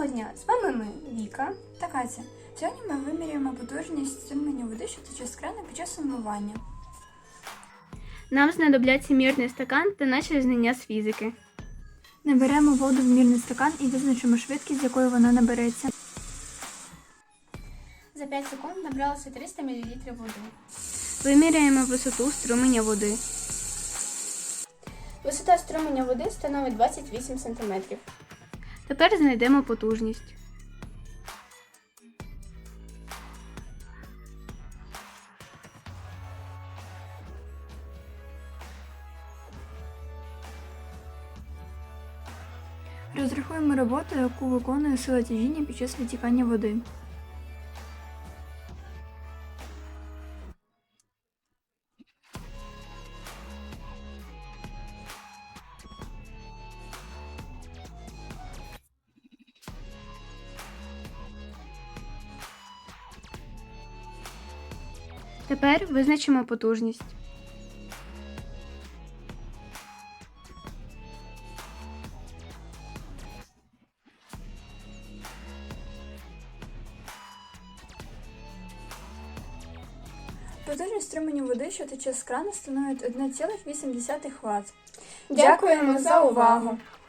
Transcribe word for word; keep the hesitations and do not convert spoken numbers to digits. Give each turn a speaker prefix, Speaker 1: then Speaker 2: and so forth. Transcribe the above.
Speaker 1: Доброго дня! З вами ми, Віка та Катя. Сьогодні ми вимірюємо потужність стримання води, що тече з крана під час умивання.
Speaker 2: Нам знадобляться мірний стакан та наші знання з фізики.
Speaker 1: Наберемо воду в мірний стакан і визначимо швидкість, з якою вона набереться.
Speaker 3: За п'ять секунд набралося триста мілілітрів води.
Speaker 2: Виміряємо висоту струменя води.
Speaker 3: Висота струменя води становить двадцять вісім сантиметрів.
Speaker 2: Тепер знайдемо потужність.
Speaker 1: Розрахуємо роботу, яку виконує сила тяжіння під час витікання води.
Speaker 2: Тепер визначимо потужність.
Speaker 1: Потужність струменю води, що тече з крана, становить одна ціла вісім десятих ватт.
Speaker 3: Дякуємо за увагу!